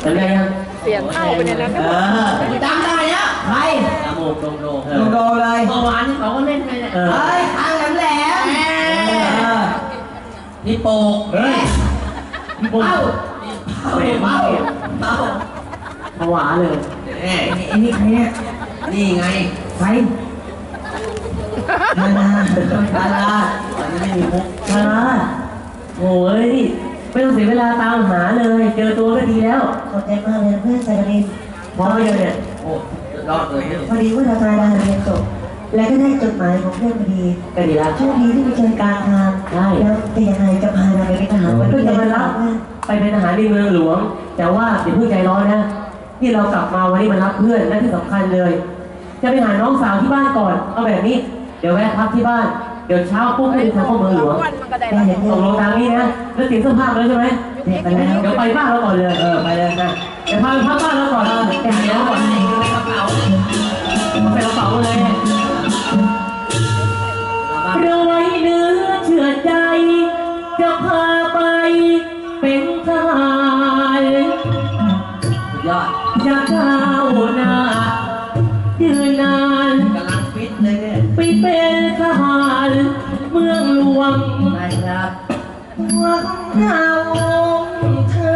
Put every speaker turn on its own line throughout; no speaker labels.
จำได้ยัง
เสียงเข้าไปในนั้น
จำได้แล้วใครโมกโดเลยเมื่อวานที่เขาก็เล่นไปเนี่ยเฮ้ยทางแหลมนี่โปกเฮ้ยนี่โปกเป้าผวาเลยไอ้นี่ใครเนี่ยนี่ไงใครดาราตอนนี้ไม่มีมุก
ดาราโอ้ยไม่ต้องเสียเวลาตามหาเลยเจอตัวก็ดีแล้ว
ขอบใจมากเลยเพื่อนสายการบิน
พร้อมเลยเนี่ย
โอ้รอดเลย
พอดีว่าเราตายดาเรียนจบและก็ได้จดหมายของเพื่อนพอดี
ก็ดีแล้ว
โชคดีที่ไปเจอกลางทางแล้วเป็นยังไงจะพาเราไปเป็นทหาร
ก็จะมารับไปเป็นทหารในเมืองหลวงแต่ว่าอย่าเพิ่งใจร้อนนะที่เรากลับมาวันนี้มารับเพื่อนและที่สำคัญเลยจะไปหาน้องสาวที่บ้านก่อนเอาแบบนี้เดี๋ยวแวะพักที่บ้านเดี๋ยวเช้าปุ๊บให้ทางเข้าเมืองหลวงส่งลงทางนี้นะแล้วเตรียมเสื้อผ้าเลยใช่ไหมไปแล้วเดี๋ยวไปบ้านเราก่อนเลยไปเลยนะเดี๋ยวพาไปพักบ้านเราก่อนแต่เดี๋ยวก่อนใส่กระเป๋าเลยเราไว้เนื้อเชื่อใจจะพาไปเป็นทหาร
ยอด
จะก้าวหน้ายืนนาน
กำลังฟิตเลยเนี่ย
ไปเป็นทหารเมืองหลวง
ได้ครับ
หวังเราเธอ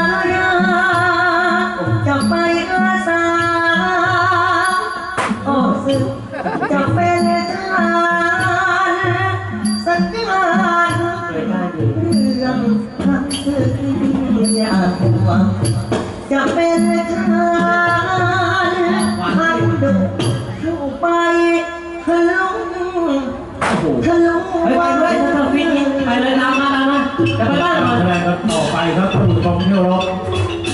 จะไปอาสาโอ้สึกจะเป็นทหารสักการเรื่องทำศึกอยากหวังจะเป็นทหารพันดุเข้าไปทะลุ
วันเลยถ้าฟิตไปเลยตามมาจะไปบ้านก่อน
แสดงกันต่อไปครับท่านผู้ชมที่เคารพ